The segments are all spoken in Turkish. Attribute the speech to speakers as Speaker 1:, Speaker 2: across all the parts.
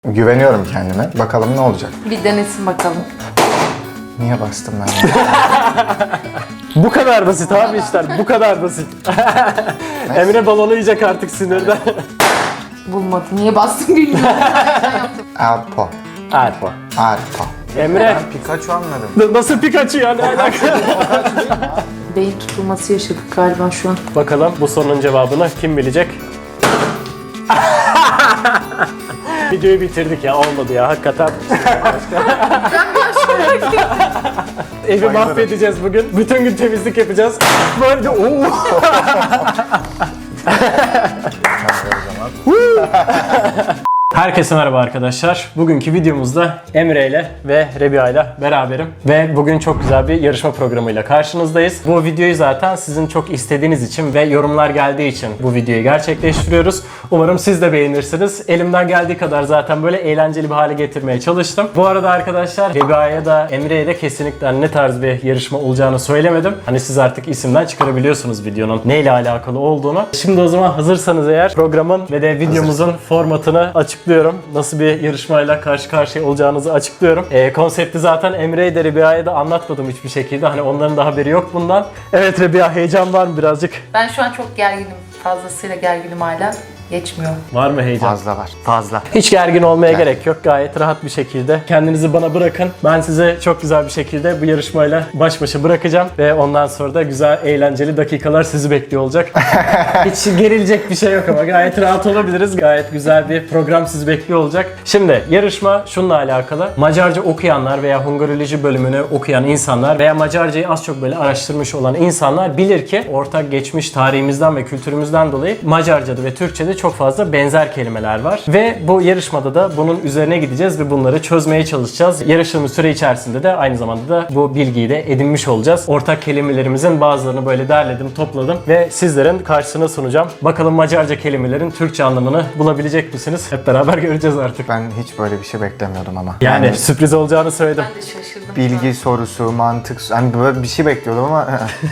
Speaker 1: Güveniyorum kendime. Bakalım ne olacak.
Speaker 2: Bir denesin bakalım.
Speaker 1: Niye bastım ben?
Speaker 3: Bu kadar basit abi işler, bu kadar basit. Emre balonu yiyecek artık sinirden.
Speaker 2: Bulmadı. Niye bastım bilmiyorum.
Speaker 1: Alpo.
Speaker 3: Alpo.
Speaker 1: Alpo.
Speaker 3: Emre,
Speaker 1: Ben Pikachu anladım.
Speaker 3: nasıl Pikachu ya, ne alaka?
Speaker 2: Beyin tutulması yaşadık galiba şu an.
Speaker 3: Bakalım bu sorunun cevabını kim bilecek? Videoyu bitirdik ya, olmadı ya hakikaten. Evi mahvedeceğiz bugün. Bütün gün temizlik yapacağız. Böyle de Herkese merhaba arkadaşlar. Bugünkü videomuzda Emre ile ve Rebiha ile beraberim. Ve bugün çok güzel bir yarışma programıyla karşınızdayız. Bu videoyu zaten sizin çok istediğiniz için ve yorumlar geldiği için bu videoyu gerçekleştiriyoruz. Umarım siz de beğenirsiniz. Elimden geldiği kadar zaten böyle eğlenceli bir hale getirmeye çalıştım. Bu arada arkadaşlar Rebiha'ya da Emre'ye de kesinlikle ne tarz bir yarışma olacağını söylemedim. Hani siz artık isimden çıkarabiliyorsunuz videonun neyle alakalı olduğunu. Şimdi o zaman hazırsanız eğer programın ve de videomuzun formatını açıklıyorum. Nasıl bir yarışmayla karşı karşıya olacağınızı açıklıyorum. Konsepti zaten Emre'ye de Rebiha'ya da anlatmadım hiçbir şekilde. Hani onların da haberi yok bundan. Evet Rebiha, heyecan var mı birazcık?
Speaker 2: Ben şu an çok gerginim. Fazlasıyla gerginim hala. Geçmiyor.
Speaker 3: Var mı heyecan?
Speaker 1: Fazla var.
Speaker 3: Fazla. Hiç gergin olmaya gerek yok. Gayet rahat bir şekilde kendinizi bana bırakın. Ben size çok güzel bir şekilde bu yarışmayla baş başa bırakacağım. Ve ondan sonra da güzel, eğlenceli dakikalar sizi bekliyor olacak. Hiç gerilecek bir şey yok ama gayet rahat olabiliriz. Gayet güzel bir program sizi bekliyor olacak. Şimdi yarışma şununla alakalı. Macarca okuyanlar veya Hungaroloji bölümünü okuyan insanlar veya Macarcayı az çok böyle araştırmış olan insanlar bilir ki ortak geçmiş tarihimizden ve kültürümüzden dolayı Macarca'da ve Türkçe'de çok fazla benzer kelimeler var. Ve bu yarışmada da bunun üzerine gideceğiz ve bunları çözmeye çalışacağız. Yarıştığımız süre içerisinde de aynı zamanda da bu bilgiyi de edinmiş olacağız. Ortak kelimelerimizin bazılarını böyle derledim, topladım ve sizlerin karşısına sunacağım. Bakalım Macarca kelimelerin Türkçe anlamını bulabilecek misiniz? Hep beraber göreceğiz artık.
Speaker 1: Ben hiç böyle bir şey beklemiyordum ama.
Speaker 3: Yani sürpriz olacağını söyledim.
Speaker 2: Ben de şaşırdım.
Speaker 1: Bilgi sorusu, mantık, hani böyle bir şey bekliyordum ama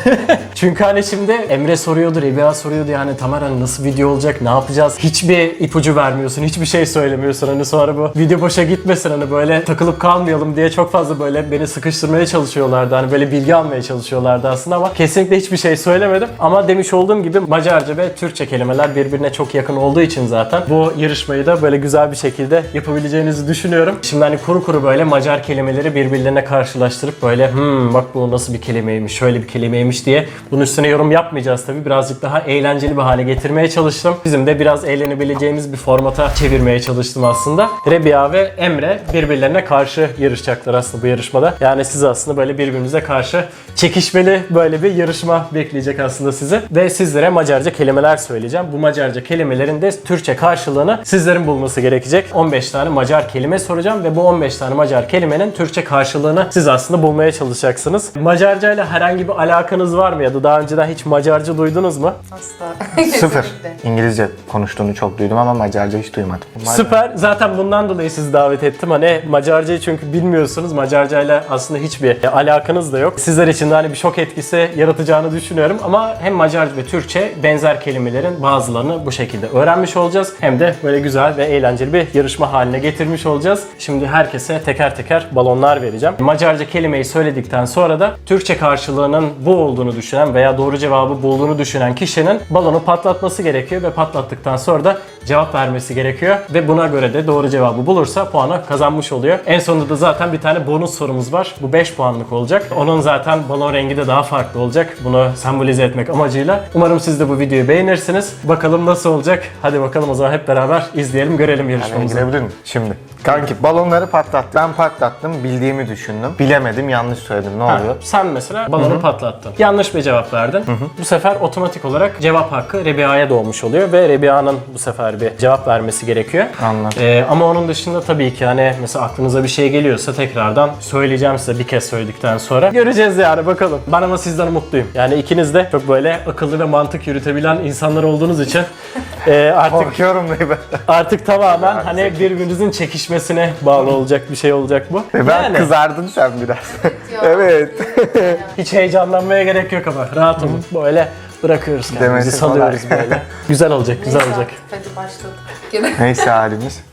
Speaker 3: Çünkü hani şimdi Emre soruyordu, Rebiha soruyordu yani Tamer hani nasıl video olacak, ne yapacağız? Hiçbir ipucu vermiyorsun, hiçbir şey söylemiyorsun. Hani sonra bu video boşa gitmesin, hani böyle takılıp kalmayalım diye çok fazla böyle beni sıkıştırmaya çalışıyorlardı. Hani böyle bilgi almaya çalışıyorlardı aslında ama kesinlikle hiçbir şey söylemedim. Ama demiş olduğum gibi Macarca ve Türkçe kelimeler birbirine çok yakın olduğu için zaten bu yarışmayı da böyle güzel bir şekilde yapabileceğinizi düşünüyorum. Şimdi hani kuru kuru böyle Macar kelimeleri birbirlerine karşılaştırıp böyle bak bu nasıl bir kelimeymiş, şöyle bir kelimeymiş diye bunun üstüne yorum yapmayacağız tabii. Birazcık daha eğlenceli bir hale getirmeye çalıştım. Bizim de biraz eğlenebileceğimiz bir formata çevirmeye çalıştım aslında. Rebiha ve Emre birbirlerine karşı yarışacaklar aslında bu yarışmada. Yani siz aslında böyle birbirinize karşı çekişmeli böyle bir yarışma bekleyecek aslında sizi. Ve sizlere Macarca kelimeler söyleyeceğim. Bu Macarca kelimelerin de Türkçe karşılığını sizlerin bulması gerekecek. 15 tane Macar kelime soracağım ve bu 15 tane Macar kelimenin Türkçe karşılığını siz aslında bulmaya çalışacaksınız. Macarca ile herhangi bir alakanız var mı ya da daha önceden hiç Macarca duydunuz mu?
Speaker 2: Asla.
Speaker 1: sıfır.
Speaker 2: Kesinlikle.
Speaker 1: İngilizce konuştuğunu çok duydum ama Macarca hiç duymadım.
Speaker 3: Süper. Zaten bundan dolayı sizi davet ettim. Hani Macarcayı çünkü bilmiyorsunuz. Macarcayla aslında hiçbir alakanız da yok. Sizler için de hani bir şok etkisi yaratacağını düşünüyorum. Ama hem Macarca ve Türkçe benzer kelimelerin bazılarını bu şekilde öğrenmiş olacağız. Hem de böyle güzel ve eğlenceli bir yarışma haline getirmiş olacağız. Şimdi herkese teker teker balonlar vereceğim. Macarca kelimeyi söyledikten sonra da Türkçe karşılığının bu olduğunu düşünen veya doğru cevabı bulduğunu düşünen kişinin balonu patlatması gerekiyor ve patlattıktan sonra da cevap vermesi gerekiyor ve buna göre de doğru cevabı bulursa puanı kazanmış oluyor. En sonunda da zaten bir tane bonus sorumuz var. Bu 5 puanlık olacak. Onun zaten balon rengi de daha farklı olacak. Bunu sembolize etmek amacıyla. Umarım siz de bu videoyu beğenirsiniz. Bakalım nasıl olacak? Hadi bakalım o zaman hep beraber izleyelim, görelim
Speaker 1: Ben
Speaker 3: yarışmamızı.
Speaker 1: girebilir miyim? Şimdi. Kanki balonları patlattım. Ben patlattım. Bildiğimi düşündüm. Bilemedim. Yanlış söyledim. Ne oluyor?
Speaker 3: Sen mesela balonu patlattın. Yanlış bir cevap verdin. Bu sefer otomatik olarak cevap hakkı Rebiha'ya doğmuş oluyor ve Rebiha'nın bu sefer bir cevap vermesi gerekiyor.
Speaker 1: Anladım.
Speaker 3: Ama onun dışında tabii ki hani mesela aklınıza bir şey geliyorsa tekrardan söyleyeceğim size bir kez söyledikten sonra. Göreceğiz yani bakalım. Ben ama sizden umutluyum. Yani ikiniz de çok böyle akıllı ve mantık yürütebilen insanlar olduğunuz için
Speaker 1: Korkuyorum ben.
Speaker 3: artık tamamen hani birbirinizin çekişmesine bağlı olacak bir şey olacak bu.
Speaker 1: Ben kızardın sen biraz. Evet.
Speaker 3: Hiç heyecanlanmaya gerek yok ama rahat olun. Böyle bırakıyoruz kendimizi,
Speaker 1: Demesi
Speaker 3: salıyoruz
Speaker 1: kolay.
Speaker 3: böyle. Güzel olacak, güzel
Speaker 2: Neyse
Speaker 3: olacak.
Speaker 2: artık, hadi başladık.
Speaker 1: Neyse halimiz.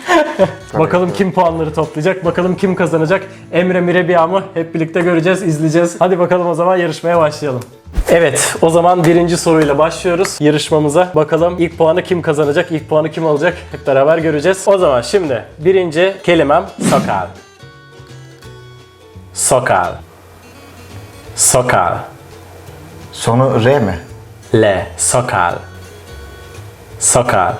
Speaker 3: Bakalım kim puanları toplayacak, bakalım kim kazanacak. Emre mi Rebiya mı? Hep birlikte göreceğiz, izleyeceğiz. Hadi bakalım o zaman yarışmaya başlayalım. Evet, o zaman birinci soruyla başlıyoruz yarışmamıza. Bakalım ilk puanı kim kazanacak, ilk puanı kim alacak? Hep beraber göreceğiz. O zaman şimdi birinci kelimem sakal. Sakal. Sakal.
Speaker 1: Sonu R mi?
Speaker 3: L. Sakal. Sakal.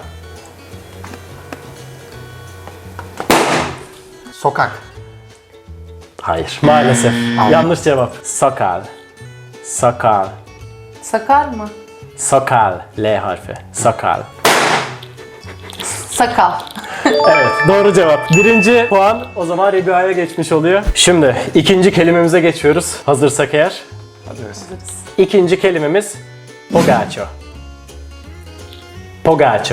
Speaker 1: Sokak.
Speaker 3: Hayır. Maalesef. Yanlış cevap. Sakal. Sakal.
Speaker 2: Sakar mı?
Speaker 3: Sakal. L harfi. Sakal.
Speaker 2: Sakal.
Speaker 3: Evet, doğru cevap. Birinci puan o zaman Rebiya'ya geçmiş oluyor. Şimdi ikinci kelimemize geçiyoruz. Hazırsak eğer.
Speaker 1: Hazırız.
Speaker 3: İkinci kelimemiz pogaço. Pogaço.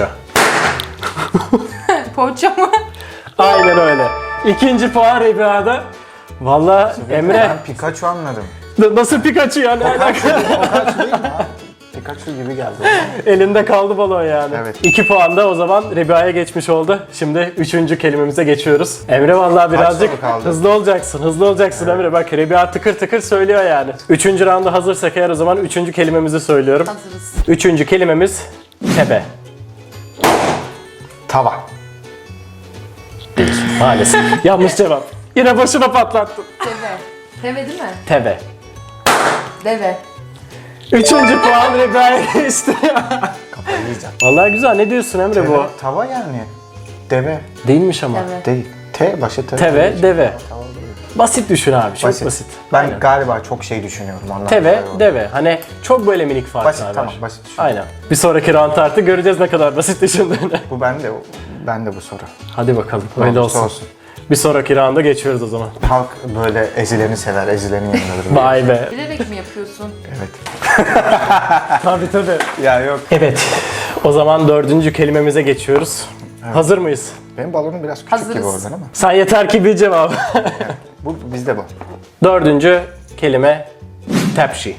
Speaker 2: Poğaça mı?
Speaker 3: Aynen öyle. İkinci puan Rebiya'da. Valla Emre
Speaker 1: Ben Pikachu anladım.
Speaker 3: nasıl Pikachu yani?
Speaker 1: Pikachu değil mi abi? Pikachu gibi geldi.
Speaker 3: Elinde kaldı balon yani.
Speaker 1: Evet.
Speaker 3: 2 puan da o zaman Rebiya'ya geçmiş oldu. Şimdi üçüncü kelimemize geçiyoruz. Emre vallahi birazcık
Speaker 1: soru kaldı?
Speaker 3: hızlı olacaksın. Hızlı olacaksın Emre. Bak Rebiya tıkır tıkır söylüyor yani. Üçüncü rounda hazırsak eğer o zaman üçüncü kelimemizi söylüyorum.
Speaker 2: Hazırız.
Speaker 3: Üçüncü kelimemiz tebe.
Speaker 1: Tava.
Speaker 3: Maalesef. Yanlış cevap. Yine başına patlattın.
Speaker 2: Deve. Deve değil mi?
Speaker 3: Tebe.
Speaker 2: Deve.
Speaker 3: Üçüncü puan Rebiya'ya geçti.
Speaker 1: Kafayı yiyeceğim.
Speaker 3: Vallahi güzel. Ne diyorsun Emre bu?
Speaker 1: Tava yani. Deve.
Speaker 3: Değilmiş ama.
Speaker 2: Deve.
Speaker 1: Değil. T başı T.
Speaker 3: Teve, deve.
Speaker 1: Tava değil.
Speaker 3: Basit düşün abi. Çok basit.
Speaker 1: Ben
Speaker 3: Aynen.
Speaker 1: galiba çok şey düşünüyorum ondan.
Speaker 3: Teve,
Speaker 1: dolayı oldu.
Speaker 3: deve. Hani çok böyle minik farklar
Speaker 1: Basit,
Speaker 3: var.
Speaker 1: tamam, basit düşün.
Speaker 3: Aynen. Bir sonraki round artık göreceğiz ne kadar basit düşündüğünü.
Speaker 1: Bu bende bu soru.
Speaker 3: Hadi bakalım.
Speaker 1: Ne
Speaker 3: Öyle
Speaker 1: olursa
Speaker 3: olsun. Bir sonraki rounda geçiyoruz o zaman.
Speaker 1: Halk böyle ezileni sever, ezilenin yanındadır.
Speaker 3: Vay be.
Speaker 2: Bilerek mi yapıyorsun?
Speaker 1: Evet.
Speaker 3: Tabii tabii.
Speaker 1: Ya yok.
Speaker 3: Evet. O zaman dördüncü kelimemize geçiyoruz. Hazır mıyız?
Speaker 1: Benim balonum biraz küçük gibi
Speaker 2: Hazırız.
Speaker 1: oradan ama.
Speaker 3: Sen yeter ki bil cevabı.
Speaker 1: Bu bizde bu.
Speaker 3: Dördüncü kelime tepsi.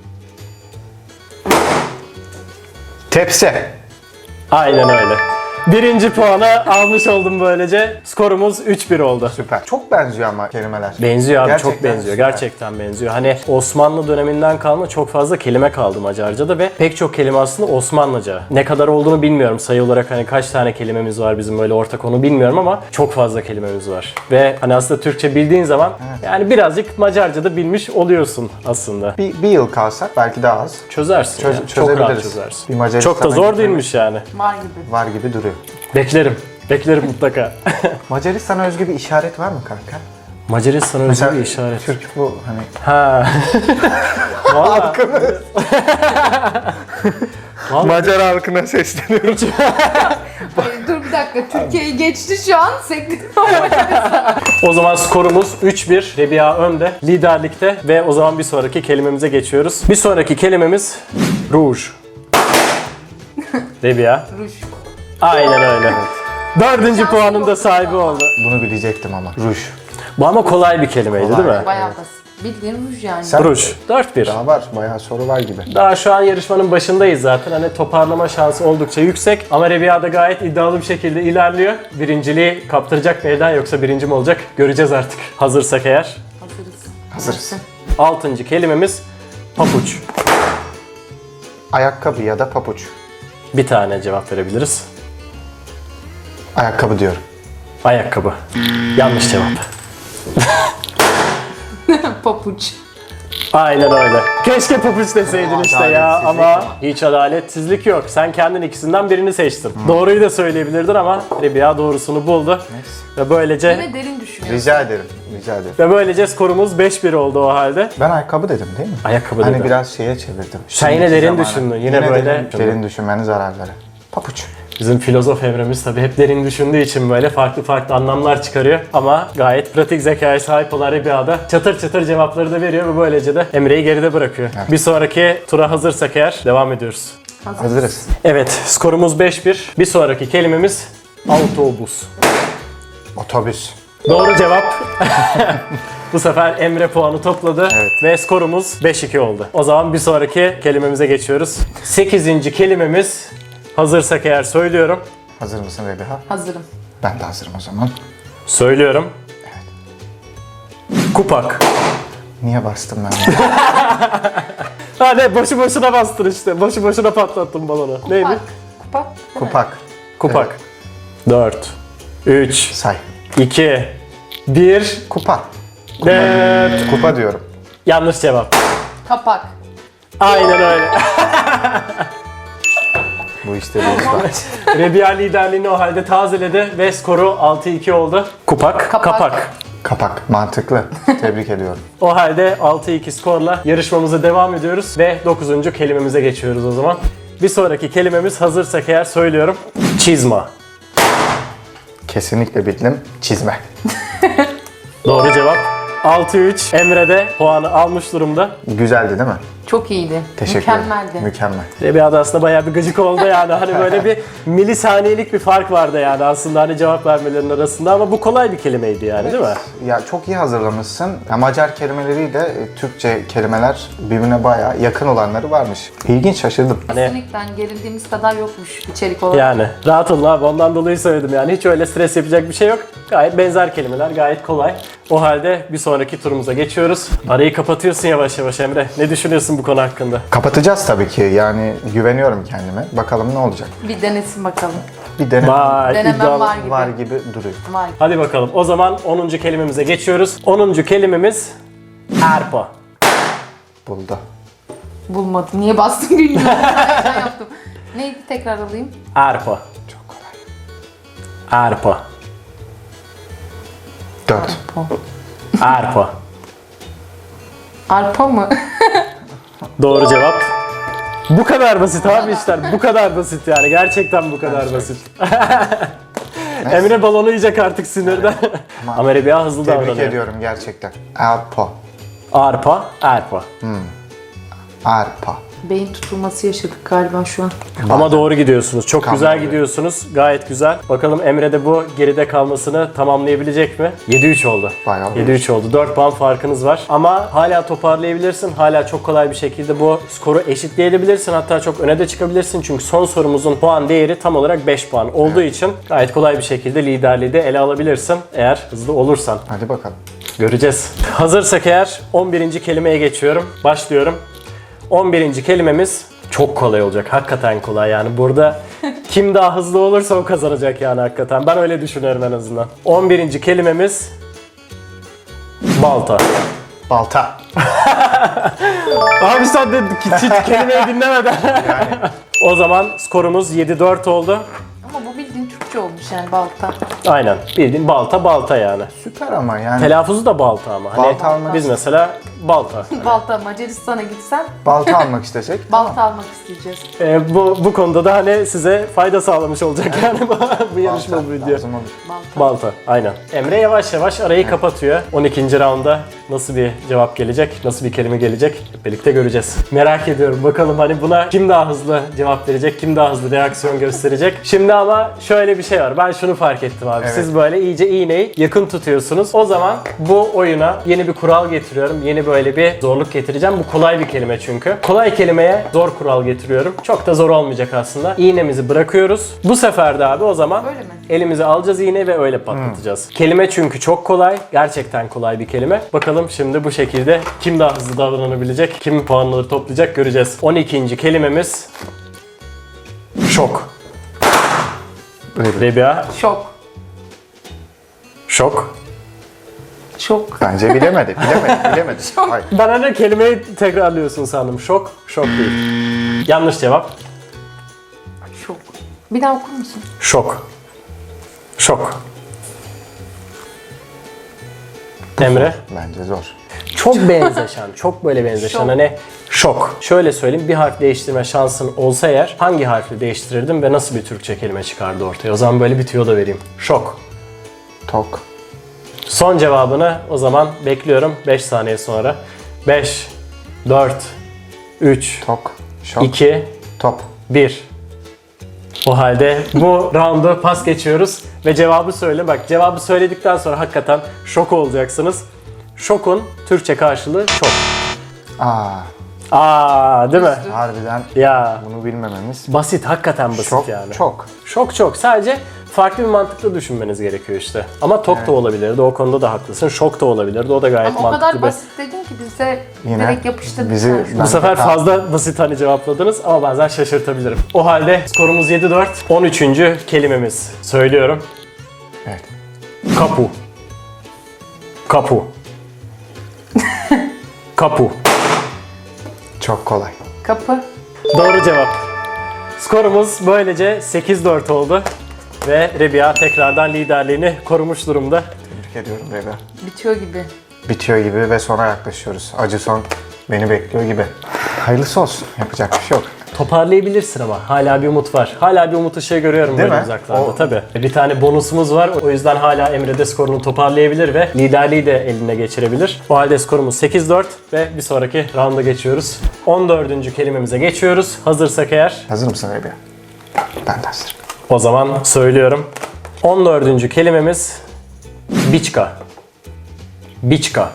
Speaker 1: Tepsi.
Speaker 3: Aynen öyle. Birinci puanı almış oldum böylece. Skorumuz 3-1 oldu.
Speaker 1: Süper. Çok benziyor ama kelimeler.
Speaker 3: Benziyor abi, çok
Speaker 1: Gerçekten
Speaker 3: benziyor.
Speaker 1: süper.
Speaker 3: Gerçekten benziyor. Hani Osmanlı döneminden kalma çok fazla kelime kaldı Macarca'da ve pek çok kelime aslında Osmanlıca. Ne kadar olduğunu bilmiyorum. Sayı olarak hani kaç tane kelimemiz var bizim böyle ortak onu bilmiyorum ama çok fazla kelimemiz var. Ve hani aslında Türkçe bildiğin zaman yani birazcık Macarca'da bilmiş oluyorsun aslında.
Speaker 1: Bir yıl kalsak belki daha az.
Speaker 3: Çözersin yani. Çok rahat
Speaker 1: çözebiliriz.
Speaker 3: çözersin.
Speaker 1: Bir Macaristan'a
Speaker 3: Çok da zor
Speaker 1: gitmemiz
Speaker 3: değilmiş yani.
Speaker 2: Var gibi.
Speaker 1: Var gibi duruyor.
Speaker 3: Beklerim. Beklerim mutlaka.
Speaker 1: Macaristan'a özgü bir işaret var mı kanka?
Speaker 3: Macaristan'a özgü bir işaret.
Speaker 1: Türk bu hani.
Speaker 3: Ha. Vallahi. Vallahi.
Speaker 1: Macar halkına sesleniyorum.
Speaker 2: Ay, dur bir dakika. Türkiye'yi geçti şu an. Sekti.
Speaker 3: O zaman skorumuz 3-1. Rebiya önde. Liderlikte ve o zaman bir sonraki kelimemize geçiyoruz. Bir sonraki kelimemiz ruj. Rebiya.
Speaker 2: Ruj.
Speaker 3: Aynen öyle. Dördüncü puanın da sahibi oldu.
Speaker 1: Bunu bilecektim ama. Ruj.
Speaker 3: Bu ama kolay bir kelimeydi
Speaker 1: Kolay.
Speaker 3: değil mi?
Speaker 2: Bayağı basit. Bildiğin ruj yani.
Speaker 1: Sen-
Speaker 3: Ruj. 4-1.
Speaker 1: Daha var. Bayağı soru var gibi.
Speaker 3: Daha şu an yarışmanın başındayız zaten. Hani toparlama şansı oldukça yüksek. Ama Rebiya da gayet iddialı bir şekilde ilerliyor. Birinciliği kaptıracak mı elden yoksa birinci mi olacak? Göreceğiz artık. Hazırsak eğer.
Speaker 2: Hazırız.
Speaker 1: Hazırız.
Speaker 3: Altıncı kelimemiz papuç.
Speaker 1: Ayakkabı ya da papuç.
Speaker 3: Bir tane cevap verebiliriz.
Speaker 1: Ayakkabı diyorum.
Speaker 3: Ayakkabı. Yanlış cevap.
Speaker 2: Papuç.
Speaker 3: Aynen öyle. Keşke papuç deseydin işte ya
Speaker 1: Adaletsizlik
Speaker 3: ama
Speaker 1: ama.
Speaker 3: hiç adaletsizlik yok. Sen kendin ikisinden birini seçtin. Doğruyu da söyleyebilirdin ama Rebiya doğrusunu buldu. Ve böylece
Speaker 2: Yine derin düşünüyorsun.
Speaker 1: Rica ederim. Rica ederim.
Speaker 3: skorumuz 5-1 oldu o halde.
Speaker 1: Ben ayakkabı dedim değil mi?
Speaker 3: Ayakkabı
Speaker 1: Hani
Speaker 3: dedim.
Speaker 1: biraz şeye çevirdim.
Speaker 3: Sen yine
Speaker 1: Şimdiki
Speaker 3: derin
Speaker 1: zamana.
Speaker 3: düşündün. Yine böyle-
Speaker 1: derin düşünmenin zararları. Papuç.
Speaker 3: Bizim filozof Emre'miz tabii hep derin düşündüğü için böyle farklı farklı anlamlar çıkarıyor. Ama gayet pratik zekaya sahip olan Rebiya'da çatır çatır cevapları da veriyor ve böylece de Emre'yi geride bırakıyor.
Speaker 1: Evet.
Speaker 3: Bir sonraki tura hazırsak eğer devam ediyoruz.
Speaker 1: Hazırız.
Speaker 3: Evet, skorumuz 5-1. Bir sonraki kelimemiz autobus.
Speaker 1: Otobüs.
Speaker 3: Doğru cevap. Bu sefer Emre puanı topladı
Speaker 1: Evet.
Speaker 3: ve skorumuz 5-2 oldu. O zaman bir sonraki kelimemize geçiyoruz. 8. kelimemiz hazırsak eğer söylüyorum.
Speaker 1: Hazır mısın Rebiha?
Speaker 2: Hazırım.
Speaker 1: Ben de hazırım o zaman.
Speaker 3: Söylüyorum. Kupak.
Speaker 1: Niye bastım ben?
Speaker 3: Hadi boşu boşuna bastın işte. Boşu boşuna patlattın balonu. Neydi?
Speaker 2: Kupak. Kupak. değil mi?
Speaker 1: Kupak.
Speaker 3: Kupak. 4, 3,
Speaker 1: Say.
Speaker 3: 2, 1.
Speaker 1: Kupa.
Speaker 3: Evet.
Speaker 1: Kupa diyorum.
Speaker 3: Yanlış cevap.
Speaker 2: Kapak.
Speaker 3: Aynen öyle.
Speaker 1: Bu işte bir iş var.
Speaker 3: Rebiya liderliğini o halde tazeledi ve skoru 6-2 oldu. Kupak,
Speaker 2: Kapak.
Speaker 3: kapak.
Speaker 1: Kapak. Mantıklı. Tebrik ediyorum.
Speaker 3: O halde 6-2 skorla yarışmamıza devam ediyoruz ve 9. kelimemize geçiyoruz o zaman. Bir sonraki kelimemiz hazırsak eğer söylüyorum. Çizma.
Speaker 1: Kesinlikle bildim. Çizme.
Speaker 3: Doğru cevap. 6-3. Emre de puanı almış durumda.
Speaker 1: Güzeldi değil mi?
Speaker 2: Çok iyiydi.
Speaker 1: Teşekkür ederim.
Speaker 2: Mükemmeldi.
Speaker 1: Mükemmel.
Speaker 3: Rebiya da aslında bayağı bir gıcık oldu yani. Hani böyle bir milisaniyelik bir fark vardı yani aslında hani cevap vermelerinin arasında ama bu kolay bir kelimeydi yani değil mi?
Speaker 1: Ya çok iyi hazırlamışsın. Ya Macar kelimeleriyle Türkçe kelimeler birbirine bayağı yakın olanları varmış. İlginç, şaşırdım.
Speaker 2: Kesinlikle gerildiğimiz kadar yokmuş içerik olarak.
Speaker 3: Yani rahat olun abi ondan dolayı söyledim yani hiç öyle stres yapacak bir şey yok. Gayet benzer kelimeler gayet kolay. O halde bir sonraki turumuza geçiyoruz. Arayı kapatıyorsun yavaş yavaş Emre. Ne düşünüyorsun bu konu hakkında?
Speaker 1: Kapatacağız tabii ki. Yani güveniyorum kendime. Bakalım ne olacak.
Speaker 2: Bir denesin bakalım.
Speaker 1: Bir deneme
Speaker 3: Vay
Speaker 2: Denemem
Speaker 3: iddialı.
Speaker 2: var gibi.
Speaker 1: var gibi duruyor.
Speaker 2: Var.
Speaker 3: Hadi bakalım o zaman 10. kelimemize geçiyoruz. 10. kelimemiz Erpo.
Speaker 1: Buldu.
Speaker 2: Bulmadım. Niye bastım bilmiyorum. Ben yaptım. Neydi tekrar alayım?
Speaker 3: Erpo.
Speaker 1: Çok kolay.
Speaker 3: Erpo.
Speaker 1: 4.
Speaker 3: Erpo.
Speaker 2: Arpa mı?
Speaker 3: Doğru cevap. Bu kadar basit abi işler. Bu kadar basit yani. Gerçekten bu kadar basit. Emre balonu yiyecek artık sinirden. Ama Rebiya hızlı
Speaker 1: Tebrik
Speaker 3: davranıyor.
Speaker 1: ediyorum gerçekten. Arpa.
Speaker 3: Arpa, erpa.
Speaker 1: Arpa.
Speaker 2: Beyin tutulması yaşadık galiba şu an.
Speaker 3: Ama doğru gidiyorsunuz. Çok
Speaker 1: Tamam,
Speaker 3: güzel
Speaker 1: evet.
Speaker 3: gidiyorsunuz. Gayet güzel. Bakalım Emre de bu geride kalmasını tamamlayabilecek mi? 7-3 oldu.
Speaker 1: Bayağı
Speaker 3: 7-3 oldu. 4 puan farkınız var. Ama hala toparlayabilirsin. Hala çok kolay bir şekilde bu skoru eşitleyebilirsin. Hatta çok öne de çıkabilirsin. Çünkü son sorumuzun puan değeri tam olarak 5 puan olduğu için gayet kolay bir şekilde liderliği de ele alabilirsin. Eğer hızlı olursan.
Speaker 1: Hadi bakalım.
Speaker 3: Göreceğiz. Hazırsak eğer 11. kelimeye geçiyorum. Başlıyorum. 11. kelimemiz çok kolay olacak. Hakikaten kolay yani. Burada kim daha hızlı olursa o kazanacak yani hakikaten. Ben öyle düşünüyorum en azından. 11. kelimemiz balta.
Speaker 1: Balta.
Speaker 3: Abi sen de hiç kelimeyi dinlemeden. O zaman skorumuz 7-4 oldu.
Speaker 2: Ama bu bildiğin Türkçe olmuş yani balta.
Speaker 3: Aynen. Bildiğin balta yani.
Speaker 1: Süper ama yani.
Speaker 3: Telaffuzu da balta ama. Hani
Speaker 1: Balta almak-
Speaker 3: biz mesela balta.
Speaker 2: Balta Macaristan'a gitsen
Speaker 1: Balta almak istesek.
Speaker 2: balta almak isteyeceğiz.
Speaker 3: Bu konuda da hani size fayda sağlamış olacak yani bu yarışma
Speaker 1: Balta
Speaker 3: bu video.
Speaker 1: lazım olur.
Speaker 2: Balta.
Speaker 3: Balta, aynen. Emre yavaş yavaş arayı kapatıyor. 12. raunda nasıl bir cevap gelecek, nasıl bir kelime gelecek hep birlikte göreceğiz. Merak ediyorum bakalım hani buna kim daha hızlı cevap verecek, kim daha hızlı reaksiyon gösterecek. Şimdi ama şöyle bir şey var. Ben şunu fark ettim abi.
Speaker 1: Evet.
Speaker 3: Siz böyle iyice iğneyi yakın tutuyorsunuz. O zaman bu oyuna yeni bir kural getiriyorum. Yeni böyle bir zorluk getireceğim. Bu kolay bir kelime çünkü. Kolay kelimeye zor kural getiriyorum. Çok da zor olmayacak aslında. İğnemizi bırakıyoruz. Bu sefer de abi o zaman
Speaker 2: Öyle mi?
Speaker 3: elimize alacağız iğneyi ve öyle patlatacağız. Kelime çünkü çok kolay. Gerçekten kolay bir kelime. Bakalım şimdi bu şekilde kim daha hızlı davranabilecek, kim puanları toplayacak göreceğiz. 12. kelimemiz şok. Rebiya,
Speaker 2: Şok.
Speaker 3: şok.
Speaker 2: Şok.
Speaker 1: Bence bilemedi. Bilemedi. Hayır.
Speaker 3: Ben hani kelimeyi tekrarlıyorsun sandım. Şok, şok değil. Yanlış cevap.
Speaker 2: Şok. Bir daha okur musun?
Speaker 3: Şok. Şok. Emre.
Speaker 1: Bence zor.
Speaker 3: Çok benzeşen, çok böyle benzeşen.
Speaker 2: Şok.
Speaker 3: Hani şok. Şöyle söyleyeyim, bir harf değiştirme şansın olsa eğer hangi harfi değiştirirdim ve nasıl bir Türkçe kelime çıkardı ortaya? O zaman böyle bir tüyo da vereyim. Şok.
Speaker 1: Tok.
Speaker 3: Son cevabını o zaman bekliyorum 5 saniye sonra. 5, 4, 3,
Speaker 1: Tok. Şok.
Speaker 3: 2,
Speaker 1: Top.
Speaker 3: 1. O halde bu roundu pas geçiyoruz ve cevabı söyle. Bak cevabı söyledikten sonra hakikaten şok olacaksınız. Şokun Türkçe karşılığı şok.
Speaker 1: Aa.
Speaker 3: Değil mi?
Speaker 1: Harbiden
Speaker 3: Ya
Speaker 1: bunu bilmememiz
Speaker 3: basit, hakikaten basit
Speaker 1: çok
Speaker 3: yani.
Speaker 1: çok.
Speaker 3: Sadece farklı bir mantıkla düşünmeniz gerekiyor işte. Ama tok da olabilirdi, o konuda da haklısın. Şok da olabilirdi, o da gayet
Speaker 2: Ama o
Speaker 3: mantıklı
Speaker 2: kadar
Speaker 3: bir...
Speaker 2: basit dedin ki biz de
Speaker 1: Yine
Speaker 2: direkt yapıştırdık.
Speaker 1: bizi-
Speaker 2: sen şu
Speaker 3: Bu
Speaker 2: an.
Speaker 3: sefer
Speaker 1: Ben-
Speaker 3: fazla basit hani cevapladınız ama bazen şaşırtabilirim. O halde skorumuz 7-4. 13. kelimemiz. Söylüyorum.
Speaker 1: Evet.
Speaker 3: Kapu. Kapu. Kapu.
Speaker 1: Çok kolay.
Speaker 2: Kapı.
Speaker 3: Doğru cevap. Skorumuz böylece 8-4 oldu. Ve Rebiya tekrardan liderliğini korumuş durumda.
Speaker 1: Tebrik ediyorum Rega.
Speaker 2: Bitiyor gibi.
Speaker 1: Bitiyor gibi ve sona yaklaşıyoruz. Acı son beni bekliyor gibi. Hayırlısı olsun. Yapacak bir şey yok.
Speaker 3: Toparlayabilirsin ama hala bir umut var. Hala bir umut ışığı görüyorum
Speaker 1: Değil
Speaker 3: böyle
Speaker 1: mi?
Speaker 3: uzaklarda.
Speaker 1: O-
Speaker 3: Tabii. Bir tane bonusumuz var. O yüzden hala Emre de skorunu toparlayabilir ve liderliği de eline geçirebilir. O halde skorumuz 8-4 ve bir sonraki rounda geçiyoruz. 14. kelimemize geçiyoruz. Hazırsak eğer.
Speaker 1: Hazır mısın Rebiya? Ben de hazırım.
Speaker 3: O zaman söylüyorum. 14. kelimemiz biçka. Biçka.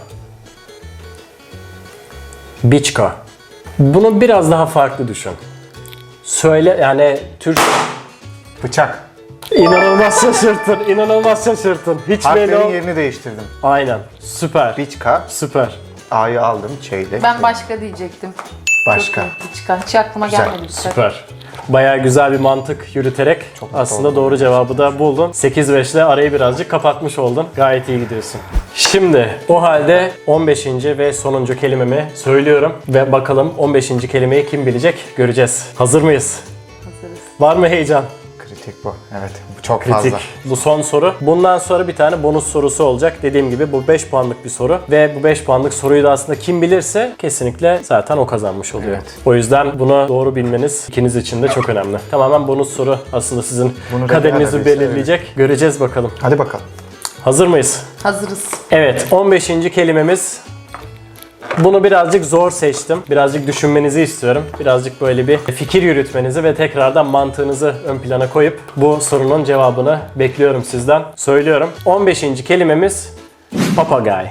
Speaker 3: Biçka. Bunu biraz daha farklı düşün. Söyle yani Türk...
Speaker 1: Bıçak.
Speaker 3: İnanılmaz şaşırttın, inanılmaz şaşırttın. Hiç belli
Speaker 1: Harflerin
Speaker 3: ol...
Speaker 1: yerini değiştirdim.
Speaker 3: Aynen. Süper.
Speaker 1: Biçka.
Speaker 3: Süper.
Speaker 1: A'yı aldım. Çeyle.
Speaker 2: Ben başka diyecektim.
Speaker 1: Başka.
Speaker 2: Çok iyi. Çıkan. Hiç aklıma
Speaker 1: Güzel.
Speaker 2: gelmedi.
Speaker 3: Süper. Bayağı güzel bir mantık yürüterek aslında doğru cevabı da buldun. 8-5 ile arayı birazcık kapatmış oldun. Gayet iyi gidiyorsun. Şimdi o halde 15. ve sonuncu kelimemi söylüyorum. Ve bakalım 15. kelimeyi kim bilecek göreceğiz. Hazır mıyız?
Speaker 2: Hazırız.
Speaker 3: Var mı heyecan?
Speaker 1: Kritik bu. Evet. Bu çok
Speaker 3: Kritik.
Speaker 1: fazla.
Speaker 3: Bu son soru. Bundan sonra bir tane bonus sorusu olacak. Dediğim gibi bu 5 puanlık bir soru. Ve bu 5 puanlık soruyu da aslında kim bilirse kesinlikle zaten o kazanmış oluyor.
Speaker 1: Evet.
Speaker 3: O yüzden bunu doğru bilmeniz ikiniz için de çok önemli. Tamamen bonus soru aslında sizin
Speaker 1: Bunu
Speaker 3: kaderinizi
Speaker 1: Rebiya da bilse,
Speaker 3: belirleyecek. Göreceğiz bakalım.
Speaker 1: Hadi bakalım.
Speaker 3: Hazır mıyız?
Speaker 2: Hazırız.
Speaker 3: Evet, 15. kelimemiz. Bunu birazcık zor seçtim. Birazcık düşünmenizi istiyorum. Birazcık böyle bir fikir yürütmenizi ve tekrardan mantığınızı ön plana koyup bu sorunun cevabını bekliyorum sizden. Söylüyorum. 15. kelimemiz papagay.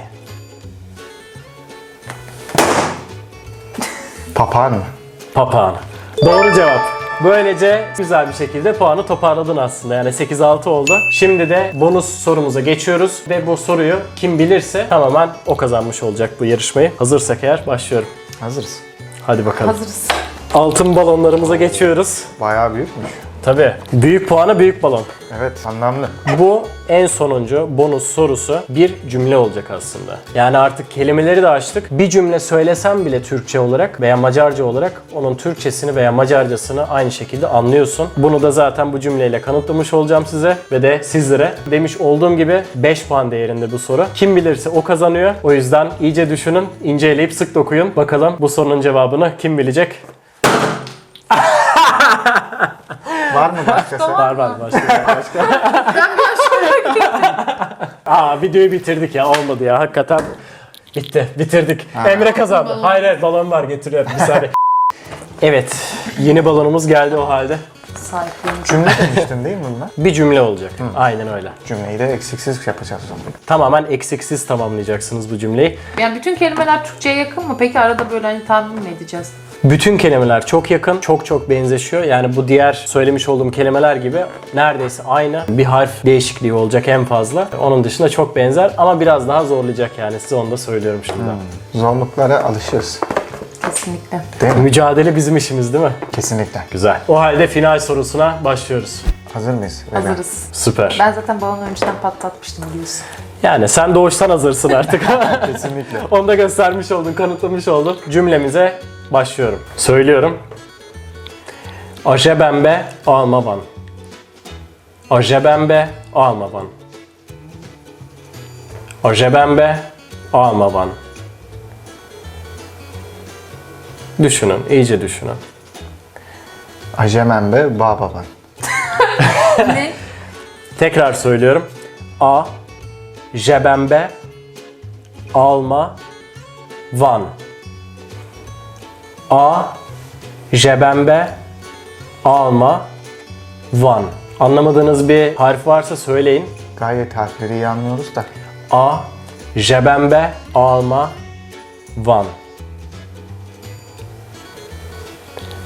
Speaker 1: Papağan mı?
Speaker 3: Papağan. Doğru cevap. Böylece güzel bir şekilde puanı toparladın aslında. Yani 8-6 oldu. Şimdi de bonus sorumuza geçiyoruz. Ve bu soruyu kim bilirse tamamen o kazanmış olacak bu yarışmayı. Hazırsak eğer başlıyorum.
Speaker 1: Hazırız.
Speaker 3: Hadi bakalım.
Speaker 2: Hazırız.
Speaker 3: Altın balonlarımıza geçiyoruz.
Speaker 1: Bayağı büyükmüş.
Speaker 3: Tabii. Büyük puanı büyük balon.
Speaker 1: Evet. Anlamlı.
Speaker 3: Bu en sonuncu bonus sorusu bir cümle olacak aslında. Yani artık kelimeleri de açtık. Bir cümle söylesem bile Türkçe olarak veya Macarca olarak onun Türkçesini veya Macarcasını aynı şekilde anlıyorsun. Bunu da zaten bu cümleyle kanıtlamış olacağım size ve de sizlere. Demiş olduğum gibi 5 puan değerinde bu soru. Kim bilirse o kazanıyor. O yüzden iyice düşünün, ince eleyip sık dokuyun. Bakalım bu sorunun cevabını kim bilecek?
Speaker 1: Var mı başkası?
Speaker 3: Var başka. Videoyu bitirdik ya, olmadı ya hakikaten. Bitti, bitirdik. Emre kazandı.
Speaker 2: Balon.
Speaker 3: Hayır, balon var, getiriyorum bir saniye. Evet, yeni balonumuz geldi o halde.
Speaker 2: Sahipleneceğim.
Speaker 1: Cümle demiştin değil mi bunlar?
Speaker 3: Bir cümle olacak. Aynen öyle.
Speaker 1: Cümleyi de eksiksiz yapacağız o zaman.
Speaker 3: Tamamen eksiksiz tamamlayacaksınız bu cümleyi.
Speaker 2: Yani bütün kelimeler Türkçe'ye yakın mı? Peki arada böyle hani tahmin mi edeceğiz?
Speaker 3: Bütün kelimeler çok yakın, çok benzeşiyor. Yani bu diğer söylemiş olduğum kelimeler gibi neredeyse aynı. Bir harf değişikliği olacak en fazla. Onun dışında çok benzer ama biraz daha zorlayacak yani. Size onu da söylüyorum şimdiden.
Speaker 1: Zorluklara alışırız.
Speaker 2: Kesinlikle.
Speaker 1: Değil mi?
Speaker 3: Mücadele bizim işimiz değil mi?
Speaker 1: Kesinlikle.
Speaker 3: Güzel. O halde final sorusuna başlıyoruz.
Speaker 1: Hazır mıyız? Rebiya?
Speaker 2: Hazırız.
Speaker 3: Süper.
Speaker 2: Ben zaten balonu önceden patlatmıştım biliyorsun.
Speaker 3: Yani sen doğuştan hazırsın artık.
Speaker 1: Kesinlikle.
Speaker 3: Onu da göstermiş oldun, kanıtlamış oldun. Cümlemize başlıyorum. Söylüyorum. Ajebembe almavan. Ajebembe almavan. Ajebembe almavan. Düşünün, iyice düşünün.
Speaker 1: Ajemembe bababan.
Speaker 2: Ne?
Speaker 3: Tekrar söylüyorum. A, jebembe, alma, van. A, jebembe, alma, van. Anlamadığınız bir harf varsa söyleyin.
Speaker 1: Gayet harfleri iyi anlıyoruz da.
Speaker 3: A, jebembe, alma, van.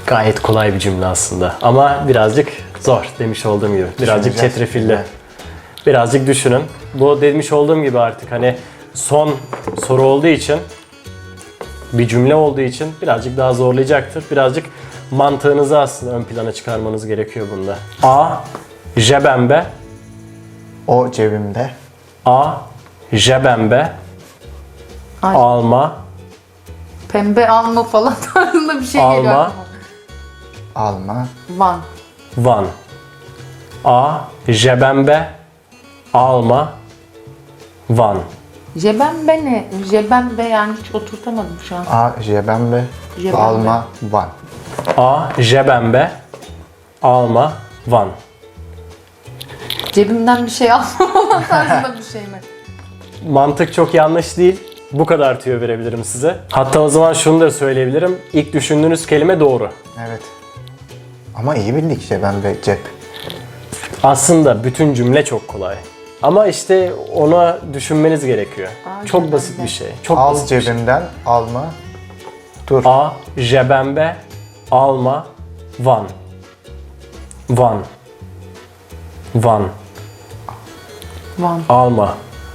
Speaker 3: Gayet kolay bir cümle aslında. Ama birazcık zor demiş olduğum gibi. Birazcık
Speaker 1: Düşüneceğiz.
Speaker 3: çetrefilli.
Speaker 1: Evet.
Speaker 3: Birazcık düşünün. Bu demiş olduğum gibi artık hani son soru olduğu için, bir cümle olduğu için birazcık daha zorlayacaktır. Birazcık mantığınızı aslında ön plana çıkarmanız gerekiyor bunda. A. Jebembe.
Speaker 1: O cebimde.
Speaker 3: A. Jebembe.
Speaker 2: Ay.
Speaker 3: Alma.
Speaker 2: Pembe alma falan tarzında bir şey geliyor
Speaker 3: Alma.
Speaker 2: aklıma.
Speaker 1: Alma.
Speaker 2: Van.
Speaker 3: Van. A. Jebembe. Alma. Van.
Speaker 2: Jebembe ne? Jebembe yani hiç oturtamadım şu an.
Speaker 1: A. Jebembe.
Speaker 2: Jebembe.
Speaker 1: Alma. Van.
Speaker 3: A. Jebembe. Alma. Van.
Speaker 2: Cebimden bir şey alma falan tarzında bir şey mi?
Speaker 3: Mantık çok yanlış değil. Bu kadar tüyo verebilirim size. Hatta o zaman şunu da söyleyebilirim. İlk düşündüğünüz kelime doğru.
Speaker 1: Evet. Ama iyi bildik jebembe, cep.
Speaker 3: Aslında bütün cümle çok kolay. Ama işte ona düşünmeniz gerekiyor.
Speaker 2: Aa,
Speaker 3: Çok
Speaker 2: jebembe.
Speaker 3: basit bir şey. Çok
Speaker 1: Al
Speaker 3: basit bir şey.
Speaker 1: cebimden, alma. Dur.
Speaker 3: A. Jebembe. Alma. Van. Van. Van.
Speaker 2: Van.
Speaker 3: Alma.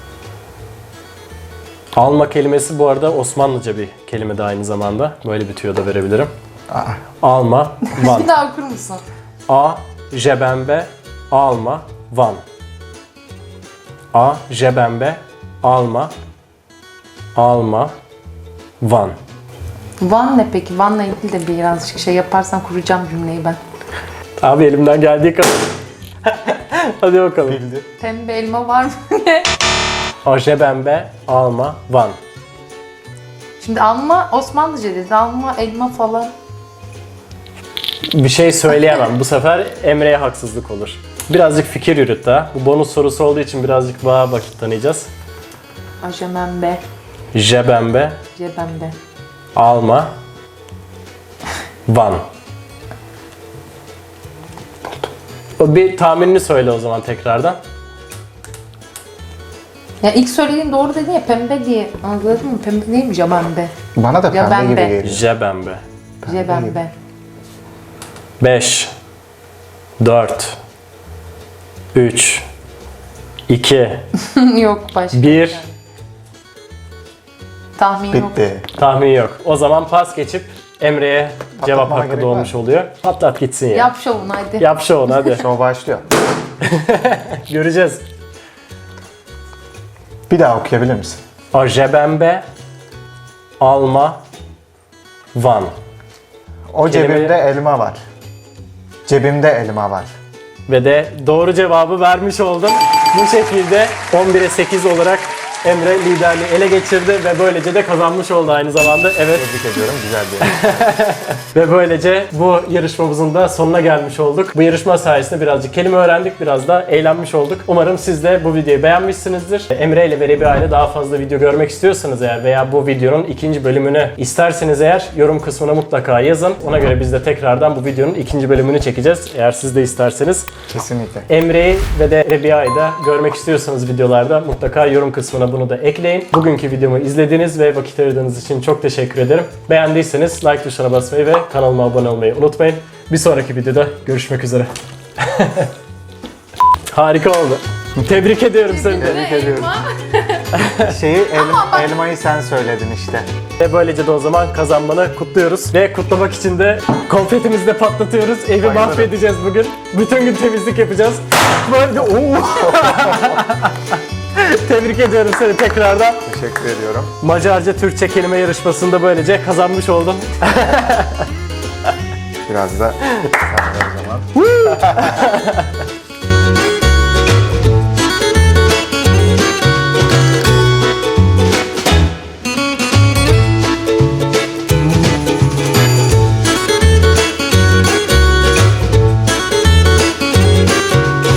Speaker 3: Alma kelimesi bu arada Osmanlıca bir kelime de aynı zamanda. Böyle bir tüyo da verebilirim.
Speaker 1: Aa,
Speaker 3: Alma. Van.
Speaker 2: Bir daha okur musun?
Speaker 3: A. Jebembe. Alma. Van. A. Jebembe. Alma. Alma. Van.
Speaker 2: Van ne peki? Van'la ilgili de birazcık şey yaparsan kuracağım cümleyi ben.
Speaker 3: Abi elimden geldiği kadar. Hadi bakalım.
Speaker 1: bildi.
Speaker 2: Pembe elma var mı? Ne?
Speaker 3: A. Jebembe. Alma. Van.
Speaker 2: Şimdi alma Osmanlıca dedi. Alma elma falan.
Speaker 3: Bir şey söyleyemem. Bu sefer Emre'ye haksızlık olur. Birazcık fikir yürüt daha. Bu bonus sorusu olduğu için birazcık daha vakit tanıyacağız.
Speaker 2: Ajemembe.
Speaker 3: Jebembe.
Speaker 2: Cebembe.
Speaker 3: Alma. Van. O bir tahminini söyle o zaman tekrardan.
Speaker 2: Ya ilk söylediğin doğru dedin ya pembe diye. Anladın mı? Pembe değil mi? Jebembe.
Speaker 1: Bana da pembe gibi
Speaker 2: Jebembe.
Speaker 1: geliyor.
Speaker 3: Jebembe.
Speaker 2: Jebembe.
Speaker 3: 5 4 3 2
Speaker 2: Yok başka.
Speaker 3: 1
Speaker 2: Tahmin yok.
Speaker 1: Bitti.
Speaker 3: Tahmin yok. O zaman pas geçip Emre'ye cevap
Speaker 1: Patlatmama
Speaker 3: hakkı
Speaker 1: gerek
Speaker 3: doğmuş
Speaker 1: var.
Speaker 3: oluyor. Patlat gitsin ya.
Speaker 2: Yap şovunu hadi.
Speaker 3: Yap şovunu hadi.
Speaker 1: Show başlıyor.
Speaker 3: Göreceğiz.
Speaker 1: Bir daha okuyabilir misin?
Speaker 3: A. Jebembe. Alma. Van.
Speaker 1: O
Speaker 3: Kelime-
Speaker 1: cebimde elma var. Cebimde elma var.
Speaker 3: Ve de doğru cevabı vermiş oldum. Bu şekilde 11'e 8 olarak Emre liderliği ele geçirdi ve böylece de kazanmış oldu aynı zamanda. Evet.
Speaker 1: Tebrik ediyorum. Güzel bir yer.
Speaker 3: Ve böylece bu yarışmamızın da sonuna gelmiş olduk. Bu yarışma sayesinde birazcık kelime öğrendik, biraz da eğlenmiş olduk. Umarım siz de bu videoyu beğenmişsinizdir. Emre ile ve Rebiha ile daha fazla video görmek istiyorsanız eğer veya bu videonun ikinci bölümünü isterseniz eğer yorum kısmına mutlaka yazın. Ona göre biz de tekrardan bu videonun ikinci bölümünü çekeceğiz eğer siz de isterseniz.
Speaker 1: Kesinlikle.
Speaker 3: Emre'yi ve de Rebiha'yı da görmek istiyorsanız videolarda mutlaka yorum kısmına bunu da ekleyin. Bugünkü videomu izlediğiniz ve vakit ayırdığınız için çok teşekkür ederim. Beğendiyseniz like tuşuna basmayı ve kanalıma abone olmayı unutmayın. Bir sonraki videoda görüşmek üzere. Harika oldu. Tebrik ediyorum seni.
Speaker 1: Tebrik ediyorum. Elmayı sen söyledin işte.
Speaker 3: Ve böylece de o zaman kazanmanı kutluyoruz. Ve kutlamak için de konfetimizi de patlatıyoruz. Evi
Speaker 1: Bayılırım.
Speaker 3: mahvedeceğiz bugün. Bütün gün temizlik yapacağız. Böyle Oo! Tebrik ediyorum seni tekrardan.
Speaker 1: Teşekkür ediyorum.
Speaker 3: Macarca Türkçe kelime yarışmasında böylece kazanmış oldum.
Speaker 1: Biraz da sen de o zaman.